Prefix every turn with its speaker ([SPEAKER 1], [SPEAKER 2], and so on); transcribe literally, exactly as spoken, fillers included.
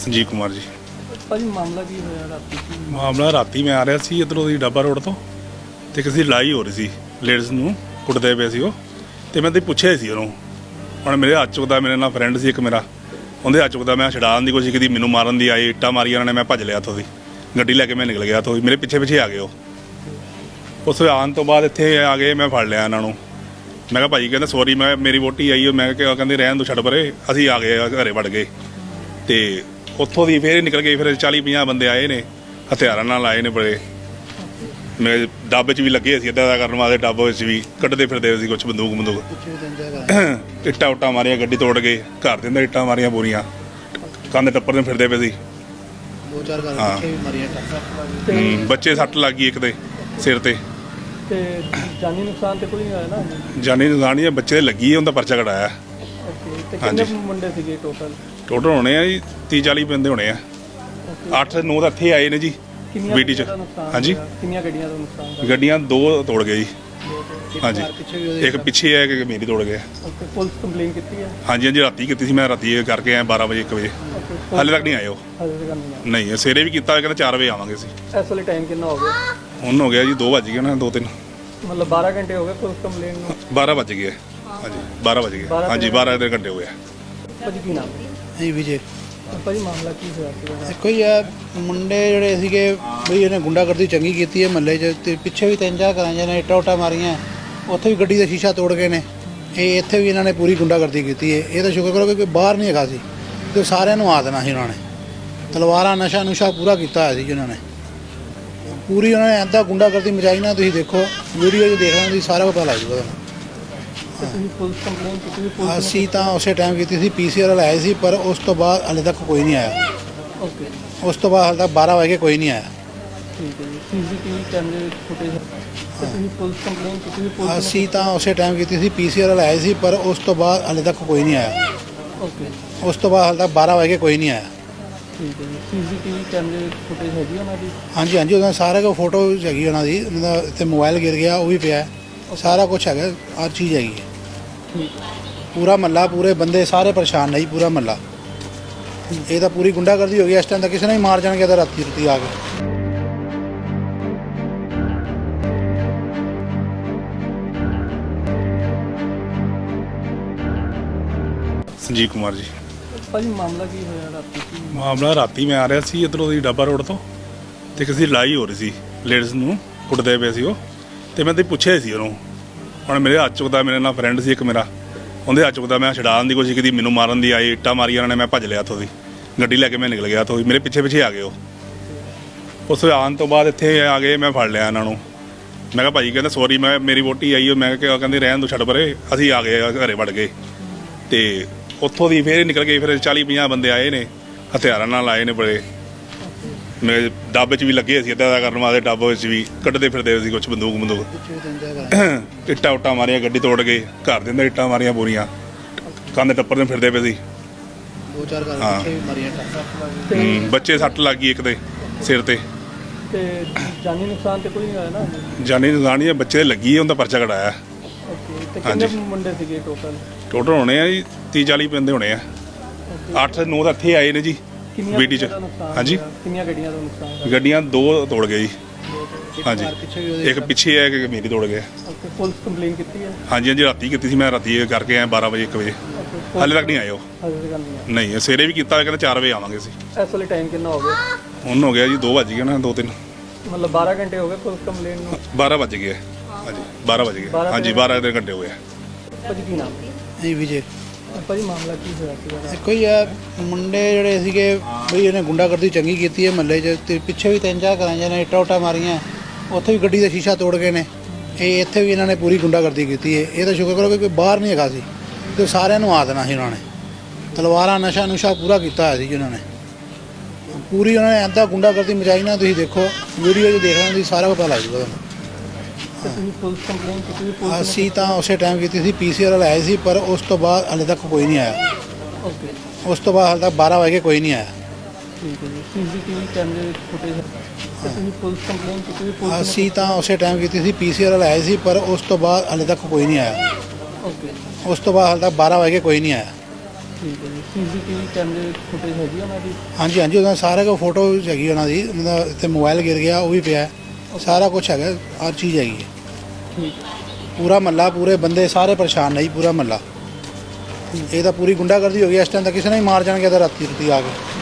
[SPEAKER 1] ਸੰਜੀਵ ਕੁਮਾਰ ਜੀ।
[SPEAKER 2] ਭਾਜੀ ਮਾਮਲਾ ਕੀ ਹੋਇਆ ਰਾਤੀ ਕੀ?
[SPEAKER 1] ਮਾਮਲਾ ਰਾਤੀ ਮੈਂ ਆ ਰਿਹਾ ਸੀ ਇੱਧਰੋਂ ਦੀ ਡੱਬਾ ਰੋਡ ਤੋਂ, ਤੇ ਕਿਸੇ ਦੀ ਲੜਾਈ ਹੋ ਰਹੀ ਸੀ, ਲੇਡੀਜ਼ ਨੂੰ ਕੁੱਟਦੇ ਪਏ ਸੀ ਉਹ, ਤੇ ਮੈਂ ਤੇ ਪੁੱਛਿਆ ਸੀ ਉਹਨੂੰ। ਹੁਣ ਮੇਰੇ ਹੱਥ ਚੁੱਕਦਾ, ਮੇਰੇ ਨਾਲ ਫਰੈਂਡ ਸੀ ਇੱਕ ਮੇਰਾ, ਉਹਦੇ ਹੱਥ ਚੁੱਕਦਾ, ਮੈਂ ਛਡਾਉਣ ਦੀ ਕੋਸ਼ਿਸ਼ ਕੀਤੀ, ਮੈਨੂੰ ਮਾਰਨ ਦੀ ਆਈ, ਇੱਟਾਂ ਮਾਰੀਆਂ ਉਹਨਾਂ ਨੇ, ਮੈਂ ਭੱਜ ਲਿਆ ਇੱਥੋਂ ਦੀ, ਗੱਡੀ ਲੈ ਕੇ ਮੈਂ ਨਿਕਲ ਗਿਆ ਇੱਥੋਂ, ਮੇਰੇ ਪਿੱਛੇ ਪਿੱਛੇ ਆ ਗਏ ਉਹ। ਉਸ ਆਉਣ ਤੋਂ ਬਾਅਦ ਇੱਥੇ ਆ ਗਏ, ਮੈਂ ਫੜ ਲਿਆ ਇਹਨਾਂ ਨੂੰ। ਮੈਂ ਕਿਹਾ ਭਾਜੀ, ਕਹਿੰਦਾ ਸੌਰੀ, ਮੈਂ ਮੇਰੀ ਵੋਟੀ ਆਈ, ਮੈਂ ਕਿਹਾ ਕਹਿੰਦੇ ਰਹਿਣ ਦੋ, ਛੱਡ ਪਰੇ। ਅਸੀਂ ਆ ਗਏ, ਘਰੇ ਵੜ ਗਏ, ਤੇ ਉੱਥੋਂ ਦੀ ਫੇਰ ਨਿਕਲ ਗਏ। ਫਿਰ ਚਾਲੀ ਪੰਜਾਹ ਬੰਦੇ ਆਏ ਨੇ, ਹਥਿਆਰਾਂ ਨਾਲ ਆਏ ਨੇ ਬੜੇ। ਮੈਂ ਡੱਬ 'ਚ ਵੀ ਲੱਗੇ ਸੀ ਇੱਦਾਂ ਦਾ ਕਰਨ ਵਾਸਤੇ, ਡੱਬ ਵਿੱਚ ਵੀ ਕੱਢਦੇ ਫਿਰਦੇ ਸੀ ਕੁਛ ਬੰਦੂਕ ਬੰਦੂਕ ਇੱਟਾਂ ਉੱਟਾਂ ਮਾਰੀਆਂ, ਗੱਡੀ ਤੋੜ ਗਏ, ਘਰ ਦੇ ਅੰਦਰ ਇੱਟਾਂ ਮਾਰੀਆਂ ਪੂਰੀਆਂ, ਕੰਧ ਟੱਪਰ ਦੇ ਫਿਰਦੇ ਪਏ ਸੀ।
[SPEAKER 3] ਦੋ ਚਾਰ ਘਰ
[SPEAKER 1] ਹਾਂ।
[SPEAKER 3] ਪਿੱਛੇ ਵੀ ਮਾਰੀਆਂ ਟੱਕਰ।
[SPEAKER 1] ਹੂੰ, ਬੱਚੇ ਸੱਟ ਲੱਗ ਗਈ ਇੱਕ ਦੇ ਸਿਰ ਤੇ।
[SPEAKER 2] ਤੇ ਜਾਨੀ ਨੁਕਸਾਨ ਤੇ ਕੋਈ ਨਹੀਂ ਹੋਇਆ ਨਾ?
[SPEAKER 1] ਜਾਨੀ ਨੁਕਸਾਨ ਹੀ ਬੱਚੇ ਦੇ ਲੱਗੀ ਹੈ, ਉਹਦਾ ਪਰਚਾ ਕਢਾਇਆ।
[SPEAKER 2] ਓਕੇ, ਤੇ ਕਿੰਨੇ ਮੁੰਡੇ ਸੀਗੇ ਟੋਟਲ?
[SPEAKER 1] ਟੋਟਲ ਹੋਣੇ ਆ ਜੀ ਤੀਹ ਚਾਲੀ ਬੰਦੇ ਹੋਣੇ ਆ। ਅੱਠ ਨੌ ਤਾਂ ਇੱਥੇ ਆਏ ਨੇ ਜੀ ਬੀਟੀ 'ਚ। ਹਾਂਜੀ,
[SPEAKER 2] ਕਿੰਨੀਆਂ ਗੱਡੀਆਂ ਦਾ ਨੁਕਸਾਨ ਹੋਇਆ?
[SPEAKER 1] ਗੱਡੀਆਂ ਦੋ ਤੋੜ ਗਏ ਜੀ। ਹਾਂਜੀ,
[SPEAKER 3] ਪਿੱਛੇ ਵੀ ਉਹਦੇ
[SPEAKER 1] ਇੱਕ ਪਿੱਛੇ ਹੈ, ਇੱਕ ਮੇਰੀ ਤੋੜ ਗਿਆ।
[SPEAKER 2] ਓਕੇ, ਪੁਲਿਸ ਕੰਪਲੇਨ ਕੀਤੀ ਹੈ?
[SPEAKER 1] ਹਾਂਜੀ ਹਾਂਜੀ, ਰਾਤੀ ਕੀਤੀ ਸੀ ਮੈਂ, ਰਾਤੀ ਕਰਕੇ ਆਇਆ ਬਾਰਾਂ ਵਜੇ ਇੱਕ ਵਜੇ।
[SPEAKER 2] ਓਕੇ,
[SPEAKER 1] ਹਾਲੇ ਤੱਕ ਨਹੀਂ ਆਏ ਉਹ।
[SPEAKER 2] ਹਾਲੇ ਤੱਕ ਨਹੀਂ ਆਏ?
[SPEAKER 1] ਨਹੀਂ, ਸਵੇਰੇ ਵੀ ਕੀਤਾ, ਕਹਿੰਦਾ ਚਾਰ ਵਜੇ ਆਵਾਂਗੇ ਅਸੀਂ।
[SPEAKER 2] ਇਸ ਵੇਲੇ ਟਾਈਮ ਕਿੰਨਾ ਹੋ ਗਿਆ?
[SPEAKER 1] ਹੁਣ ਹੋ ਗਿਆ ਜੀ ਦੋ ਵੱਜ ਗਏ ਨਾ, ਦੋ ਤਿੰਨ
[SPEAKER 2] ਮਤਲਬ ਬਾਰਾਂ ਘੰਟੇ ਹੋ ਗਏ ਪੁਲਿਸ ਕੰਪਲੇਨ ਨੂੰ?
[SPEAKER 1] ਬਾਰਾਂ ਵੱਜ ਗਏ। ਹਾਂਜੀ ਬਾਰਾਂ ਵੱਜ ਗਏ। ਹਾਂਜੀ ਬਾਰਾਂ ਦੇ ਘੰਟੇ ਹੋ ਗਏ।
[SPEAKER 2] ਭਾਜੀ ਕੀ ਨਾਮ?
[SPEAKER 3] ਨਹੀਂ ਵਿਜੇ।
[SPEAKER 2] ਭਾਜੀ ਮਾਮਲਾ ਕੀ ਹੋਇਆ ਸੀ?
[SPEAKER 3] ਦੇਖੋ ਹੀ ਆ, ਮੁੰਡੇ ਜਿਹੜੇ ਸੀਗੇ ਬਈ ਇਹਨੇ ਗੁੰਡਾਗਰਦੀ ਚੰਗੀ ਕੀਤੀ ਹੈ ਮਹੱਲੇ 'ਚ, ਤੇ ਪਿੱਛੇ ਵੀ ਤਿੰਨ ਚਾਰ ਘਰਾਂ 'ਚ ਨੇ ਇੱਟਾਂ ਉੱਟਾਂ ਮਾਰੀਆਂ, ਉੱਥੇ ਵੀ ਗੱਡੀ ਦਾ ਸ਼ੀਸ਼ਾ ਤੋੜ ਗਏ ਨੇ। ਇਹ ਇੱਥੇ ਵੀ ਇਹਨਾਂ ਨੇ ਪੂਰੀ ਗੁੰਡਾਗਰਦੀ ਕੀਤੀ ਹੈ। ਇਹ ਤਾਂ ਸ਼ੁਕਰ ਕਰੋ ਕਿ ਕੋਈ ਬਾਹਰ ਨਹੀਂ ਹੈਗਾ ਸੀ, ਤੇ ਸਾਰਿਆਂ ਨੂੰ ਆ ਦੇਣਾ ਸੀ ਉਹਨਾਂ ਨੇ। ਤਲਵਾਰਾਂ ਨਸ਼ਾ ਨੁਸ਼ਾ ਪੂਰਾ ਕੀਤਾ ਹੋਇਆ ਸੀ ਜਿਹਨਾਂ ਨੇ, ਪੂਰੀ ਉਹਨਾਂ ਨੇ ਇੱਦਾਂ ਗੁੰਡਾਗਰਦੀ ਮਚਾਈ ਨਾ। ਤੁਸੀਂ ਦੇਖੋ ਵੀਡੀਓ 'ਚ ਦੇਖ ਲੈਣਾ, ਤੁਸੀਂ ਸਾਰਾ ਪਤਾ ਲੱਗ ਜੂਗਾ ਤੁਹਾਨੂੰ।
[SPEAKER 2] ਤੁਸੀਂ ਪੁਲਿਸ ਕੰਪਲੇਨ ਕੀਤੀ ਸੀ? ਪੁਲਿਸ
[SPEAKER 3] ਅਸੀਂ ਤਾਂ ਉਸੇ ਟਾਈਮ ਕੀਤੀ ਸੀ, ਪੀ ਸੀ ਆਰ ਆਏ ਸੀ, ਪਰ ਉਸ ਤੋਂ ਬਾਅਦ ਹਾਲੇ ਤੱਕ ਕੋਈ ਨਹੀਂ ਆਇਆ।
[SPEAKER 2] ਓਕੇ,
[SPEAKER 3] ਉਸ ਤੋਂ ਬਾਅਦ ਹਾਲੇ ਤੱਕ ਬਾਰਾਂ ਵਜੇ ਕੋਈ ਨਹੀਂ ਆਇਆ।
[SPEAKER 2] ਠੀਕ ਹੈ ਜੀ। ਸੀ ਸੀ ਟੀ ਵੀ ਕੈਮਰੇ ਵਿੱਚ ਫੁਟੇਜ ਤੁਸੀਂ ਪੁਲਿਸ ਕੰਪਲੇਨ ਕੀਤੀ ਸੀ? ਪੁਲਿਸ
[SPEAKER 3] ਅਸੀਂ ਤਾਂ ਉਸੇ ਟਾਈਮ ਕੀਤੀ ਸੀ, ਪੀ ਸੀ ਆਰ ਆਏ ਸੀ, ਪਰ ਉਸ ਤੋਂ ਬਾਅਦ ਹਾਲੇ ਤੱਕ ਕੋਈ ਨਹੀਂ ਆਇਆ।
[SPEAKER 2] ਓਕੇ,
[SPEAKER 3] ਉਸ ਤੋਂ ਬਾਅਦ ਹਾਲੇ ਤੱਕ ਬਾਰਾਂ ਵਜੇ ਕੋਈ ਨਹੀਂ ਆਇਆ।
[SPEAKER 2] ਠੀਕ ਹੈ ਜੀ। ਸੀ ਸੀ ਟੀ ਵੀ ਕੈਮਰੇ ਵਿੱਚ ਫੁਟੇਜ ਹੈਗੀ ਉਹਨਾਂ ਦੀ?
[SPEAKER 3] ਹਾਂਜੀ ਹਾਂਜੀ, ਉਹਨਾਂ ਸਾਰੇ ਕੋ ਫੋਟੋ ਹੈਗੀ ਉਹਨਾਂ ਦੀ। ਉਹਨਾਂ ਦਾ ਇੱਥੇ ਮੋਬਾਈਲ ਗਿਰ ਗਿਆ, ਉਹ ਵੀ ਪਿਆ ਹੈ। ਸਾਰਾ ਕੁਝ ਹੈਗਾ, ਹਰ ਚੀਜ਼ ਹੈਗੀ ਹੈ।
[SPEAKER 2] ਠੀਕ ਹੈ।
[SPEAKER 3] ਪੂਰਾ ਮਹੱਲਾ, ਪੂਰੇ ਬੰਦੇ ਸਾਰੇ ਪਰੇਸ਼ਾਨ ਨਹੀਂ, ਪੂਰਾ ਮਹੱਲਾ। ਇਹ ਤਾਂ ਪੂਰੀ ਗੁੰਡਾਗਰਦੀ ਹੋ ਗਈ। ਇਸ ਟਾਈਮ ਤਾਂ ਕਿਸੇ ਨੇ ਹੀ ਮਾਰ ਜਾਣਗੇ ਤਾਂ ਰਾਤੀ ਰਾਤੀ ਆ ਕੇ।
[SPEAKER 1] ਸੰਜੀਵ ਕੁਮਾਰ ਜੀ।
[SPEAKER 2] ਭਾਜੀ ਮਾਮਲਾ ਕੀ ਹੋਇਆ ਰਾਤੀ ਕੀ?
[SPEAKER 1] ਮਾਮਲਾ ਰਾਤੀ ਮੈਂ ਆ ਰਿਹਾ ਸੀ ਇੱਧਰੋਂ ਦੀ ਡੱਬਾ ਰੋਡ ਤੋਂ, ਤੇ ਕਿਸੇ ਦੀ ਲੜਾਈ ਹੋ ਰਹੀ ਸੀ, ਲੇਡੀਜ਼ ਨੂੰ ਕੁੱਟਦੇ ਪਏ ਸੀ ਉਹ, ਤੇ ਮੈਂ ਤੇ ਪੁੱਛਿਆ ਸੀ ਉਹਨੂੰ। ਹੁਣ ਮੇਰੇ ਹੱਥ ਚੁੱਕਦਾ, ਮੇਰੇ ਨਾਲ ਫਰੈਂਡ ਸੀ ਇੱਕ ਮੇਰਾ, ਉਹਦੇ ਹੱਥ ਚੁੱਕਦਾ, ਮੈਂ ਛਡਾਉਣ ਦੀ ਕੋਸ਼ਿਸ਼ ਕੀਤੀ, ਮੈਨੂੰ ਮਾਰਨ ਦੀ ਆਈ, ਇੱਟਾਂ ਮਾਰੀਆਂ ਉਹਨਾਂ ਨੇ, ਮੈਂ ਭੱਜ ਲਿਆ ਇੱਥੋਂ ਦੀ, ਗੱਡੀ ਲੈ ਕੇ ਮੈਂ ਨਿਕਲ ਗਿਆ ਇੱਥੋਂ ਦੀ, ਮੇਰੇ ਪਿੱਛੇ ਪਿੱਛੇ ਆ ਗਏ ਉਹ। ਉਸ ਆਉਣ ਤੋਂ ਬਾਅਦ ਇੱਥੇ ਆ ਗਏ, ਮੈਂ ਫੜ ਲਿਆ ਇਹਨਾਂ ਨੂੰ। ਮੈਂ ਕਿਹਾ ਭਾਜੀ, ਕਹਿੰਦਾ ਸੌਰੀ, ਮੈਂ ਮੇਰੀ ਵੋਟੀ ਆਈ, ਮੈਂ ਕਿਹਾ ਕਹਿੰਦੇ ਰਹਿਣ ਦੋ, ਛੱਡ ਪਰੇ। ਅਸੀਂ ਆ ਗਏ, ਘਰੇ ਵੜ ਗਏ, ਤੇ ਉੱਥੋਂ ਦੀ ਫੇਰ ਨਿਕਲ ਗਏ। ਫਿਰ ਚਾਲੀ ਪੰਜਾਹ ਬੰਦੇ ਆਏ ਨੇ, ਹਥਿਆਰਾਂ ਨਾਲ ਆਏ ਨੇ ਬੜੇ। ਮੈਂ ਡੱਬ 'ਚ ਵੀ ਲੱਗੇ ਸੀ ਇੱਦਾਂ ਦਾ ਕਰਨ ਵਾਸਤੇ, ਡੱਬ ਵਿੱਚ ਵੀ ਕੱਢਦੇ ਫਿਰਦੇ ਸੀ ਕੁਛ ਬੰਦੂਕ ਬੰਦੂਕ
[SPEAKER 3] ਪਿੱਛੇ ਵੀ ਤਿੰਨ ਚਾਰ ਘਰ।
[SPEAKER 1] ਇੱਟਾਂ ਉੱਟਾਂ ਮਾਰੀਆਂ, ਗੱਡੀ ਤੋੜ ਗਏ, ਘਰ ਦੇ ਅੰਦਰ ਇੱਟਾਂ ਮਾਰੀਆਂ ਪੂਰੀਆਂ, ਕੰਧ ਟੱਪਰ ਦੇ ਫਿਰਦੇ ਪਏ ਸੀ।
[SPEAKER 3] ਦੋ ਚਾਰ ਘਰ
[SPEAKER 1] ਹਾਂ।
[SPEAKER 3] ਪਿੱਛੇ ਵੀ ਮਾਰੀਆਂ ਟੱਕਰ।
[SPEAKER 2] ਤੇ
[SPEAKER 1] ਹੂੰ, ਬੱਚੇ ਸੱਟ ਲੱਗ ਗਈ ਇੱਕ ਦੇ ਸਿਰ ਤੇ।
[SPEAKER 2] ਤੇ ਜਾਨੀ ਨੁਕਸਾਨ ਤੇ ਕੋਈ ਨਹੀਂ ਹੋਇਆ ਨਾ?
[SPEAKER 1] ਜਾਨੀ ਨੁਕਸਾਨ ਹੀ ਬੱਚੇ ਦੇ ਲੱਗੀ ਹੈ, ਉਹਦਾ ਪਰਚਾ ਕਢਾਇਆ।
[SPEAKER 2] ਓਕੇ, ਤੇ ਕਿੰਨੇ ਮੁੰਡੇ ਸੀਗੇ ਟੋਟਲ?
[SPEAKER 1] ਟੋਟਲ ਹੋਣੇ ਆ ਜੀ ਤੀਹ ਚਾਲੀ ਬੰਦੇ ਹੋਣੇ ਆ। ਅੱਠ ਨੌ ਤਾਂ ਇੱਥੇ ਆਏ ਨੇ ਜੀ
[SPEAKER 2] ਕਿੰਨੀਆਂ
[SPEAKER 1] ਬੀਟੀ 'ਚ।
[SPEAKER 2] ਗੱਡੀਆਂ ਦਾ ਨੁਕਸਾਨ
[SPEAKER 1] ਹਾਂਜੀ,
[SPEAKER 2] ਹੋਇਆ? ਕਿੰਨੀਆਂ ਗੱਡੀਆਂ ਦਾ ਨੁਕਸਾਨ ਹੋਇਆ?
[SPEAKER 1] ਗੱਡੀਆਂ ਦੋ ਤੋੜ ਗਏ ਜੀ। ਹਾਂਜੀ,
[SPEAKER 3] ਪਿੱਛੇ ਵੀ ਉਹਦੇ
[SPEAKER 1] ਇੱਕ ਪਿੱਛੇ ਹੈ, ਇੱਕ ਮੇਰੀ ਤੋੜ ਗਿਆ।
[SPEAKER 2] ਓਕੇ, ਪੁਲਿਸ ਕੰਪਲੇਨ ਕੀਤੀ ਹੈ?
[SPEAKER 1] ਹਾਂਜੀ ਹਾਂਜੀ, ਰਾਤੀ ਕੀਤੀ ਸੀ ਮੈਂ, ਰਾਤੀ ਕਰਕੇ ਆਇਆ ਬਾਰਾਂ ਵਜੇ ਇੱਕ ਵਜੇ।
[SPEAKER 2] ਓਕੇ,
[SPEAKER 1] ਹਾਲੇ ਤੱਕ ਨਹੀਂ ਆਏ ਉਹ।
[SPEAKER 2] ਹਾਲੇ ਤੱਕ ਨਹੀਂ ਆਏ?
[SPEAKER 1] ਨਹੀਂ, ਸਵੇਰੇ ਵੀ ਕੀਤਾ, ਕਹਿੰਦਾ ਚਾਰ ਵਜੇ ਆਵਾਂਗੇ ਅਸੀਂ।
[SPEAKER 2] ਇਸ ਵੇਲੇ ਟਾਈਮ ਕਿੰਨਾ ਹੋ ਗਿਆ?
[SPEAKER 1] ਹੁਣ ਹੋ ਗਿਆ ਜੀ ਦੋ ਵੱਜ ਗਏ ਨਾ, ਦੋ ਤਿੰਨ
[SPEAKER 2] ਮਤਲਬ ਬਾਰਾਂ ਘੰਟੇ ਹੋ ਗਏ ਪੁਲਿਸ ਕੰਪਲੇਨ ਨੂੰ?
[SPEAKER 1] ਬਾਰਾਂ ਵੱਜ ਗਏ। ਹਾਂਜੀ ਬਾਰਾਂ ਵੱਜ ਗਏ। ਹਾਂਜੀ ਬਾਰਾਂ ਦੇ ਘੰਟੇ ਹੋ ਗਏ।
[SPEAKER 2] ਭਾਜੀ ਕੀ ਨਾਮ?
[SPEAKER 3] ਨਹੀਂ ਵਿਜੇ।
[SPEAKER 2] ਭਾਜੀ ਮਾਮਲਾ ਕੀ ਹੋਇਆ ਸੀ?
[SPEAKER 3] ਦੇਖੋ ਹੀ ਆ, ਮੁੰਡੇ ਜਿਹੜੇ ਸੀਗੇ ਬਈ ਇਹਨੇ ਗੁੰਡਾਗਰਦੀ ਚੰਗੀ ਕੀਤੀ ਹੈ ਮਹੱਲੇ 'ਚ, ਤੇ ਪਿੱਛੇ ਵੀ ਤਿੰਨ ਚਾਰ ਘਰਾਂ 'ਚ ਨੇ ਇੱਟਾਂ ਉੱਟਾਂ ਮਾਰੀਆਂ, ਉੱਥੇ ਵੀ ਗੱਡੀ ਦਾ ਸ਼ੀਸ਼ਾ ਤੋੜ ਗਏ ਨੇ। ਇਹ ਇੱਥੇ ਵੀ ਇਹਨਾਂ ਨੇ ਪੂਰੀ ਗੁੰਡਾਗਰਦੀ ਕੀਤੀ ਹੈ। ਇਹ ਤਾਂ ਸ਼ੁਕਰ ਕਰੋ ਕਿ ਕੋਈ ਬਾਹਰ ਨਹੀਂ ਹੈਗਾ ਸੀ, ਤੇ ਸਾਰਿਆਂ ਨੂੰ ਆ ਦੇਣਾ ਸੀ ਉਹਨਾਂ ਨੇ। ਤਲਵਾਰਾਂ ਨਸ਼ਾ ਨੁਸ਼ਾ ਪੂਰਾ ਕੀਤਾ ਹੋਇਆ ਸੀ ਜਿਹਨਾਂ ਨੇ, ਪੂਰੀ ਉਹਨਾਂ ਨੇ ਇੱਦਾਂ ਗੁੰਡਾਗਰਦੀ ਮਚਾਈ ਨਾ। ਤੁਸੀਂ ਦੇਖੋ ਵੀਡੀਓ 'ਚ ਦੇਖ ਲੈਣਾ, ਤੁਸੀਂ ਸਾਰਾ ਪਤਾ ਲੱਗ ਜੂਗਾ ਤੁਹਾਨੂੰ।
[SPEAKER 2] ਤੁਸੀਂ ਪੁਲਿਸ ਕੰਪਲੇਨ ਕੀਤੀ ਸੀ? ਪੁਲਿਸ
[SPEAKER 3] ਅਸੀਂ ਤਾਂ ਉਸੇ ਟਾਈਮ ਕੀਤੀ ਸੀ, ਪੀ ਸੀ ਆਰ ਆਏ ਸੀ, ਪਰ ਉਸ ਤੋਂ ਬਾਅਦ ਹਾਲੇ ਤੱਕ ਕੋਈ ਨਹੀਂ ਆਇਆ।
[SPEAKER 2] ਓਕੇ,
[SPEAKER 3] ਉਸ ਤੋਂ ਬਾਅਦ ਹਾਲੇ ਤੱਕ ਬਾਰਾਂ ਵਜੇ ਕੋਈ ਨਹੀਂ ਆਇਆ।
[SPEAKER 2] ਠੀਕ ਹੈ ਜੀ। ਸੀ ਸੀ ਟੀ ਵੀ ਕੈਮਰੇ ਵਿੱਚ ਫੁਟੇਜ ਤੁਸੀਂ ਪੁਲਿਸ ਕੰਪਲੇਨ ਕੀਤੀ ਸੀ? ਪੁਲਿਸ
[SPEAKER 3] ਅਸੀਂ ਤਾਂ ਉਸੇ ਟਾਈਮ ਕੀਤੀ ਸੀ, ਪੀ ਸੀ ਆਰ ਆਏ ਸੀ, ਪਰ ਉਸ ਤੋਂ ਬਾਅਦ ਹਾਲੇ ਤੱਕ ਕੋਈ ਨਹੀਂ ਆਇਆ।
[SPEAKER 2] ਓਕੇ,
[SPEAKER 3] ਉਸ ਤੋਂ ਬਾਅਦ ਹਾਲੇ ਤੱਕ ਬਾਰਾਂ ਵਜੇ ਕੋਈ ਨਹੀਂ ਆਇਆ।
[SPEAKER 2] ਠੀਕ ਹੈ ਜੀ ਸੀਸੀਟੀਵੀ ਕੈਮਰੇ ਫੁਟੇਜ ਹੈਗੀ ਆ ਉਹਨਾਂ ਦੀ?
[SPEAKER 3] ਹਾਂਜੀ ਹਾਂਜੀ ਉਹਨਾਂ ਸਾਰੇ ਕੋ ਫੋਟੋ ਹੈਗੀ ਉਹਨਾਂ ਦੀ, ਉਹਨਾਂ ਦਾ ਇੱਥੇ ਮੋਬਾਈਲ ਗਿਰ ਗਿਆ ਉਹ ਵੀ ਪਿਆ ਹੈ। ਸਾਰਾ ਕੁਝ ਹੈਗਾ, ਹਰ ਚੀਜ਼ ਹੈਗੀ ਹੈ।
[SPEAKER 2] ਠੀਕ
[SPEAKER 3] ਪੂਰਾ ਮਹੱਲਾ, ਪੂਰੇ ਬੰਦੇ ਸਾਰੇ ਪਰੇਸ਼ਾਨ ਨੇ ਜੀ, ਪੂਰਾ ਮਹੱਲਾ। ਇਹ ਤਾਂ ਪੂਰੀ ਗੁੰਡਾਗਰਦੀ ਹੋ ਗਈ, ਇਸ ਟਾਈਮ ਤਾਂ ਕਿਸੇ ਨੇ ਹੀ ਮਾਰ ਜਾਣਗੇ ਤਾਂ ਰਾਤੀ ਰਾਤੀ ਆ ਕੇ।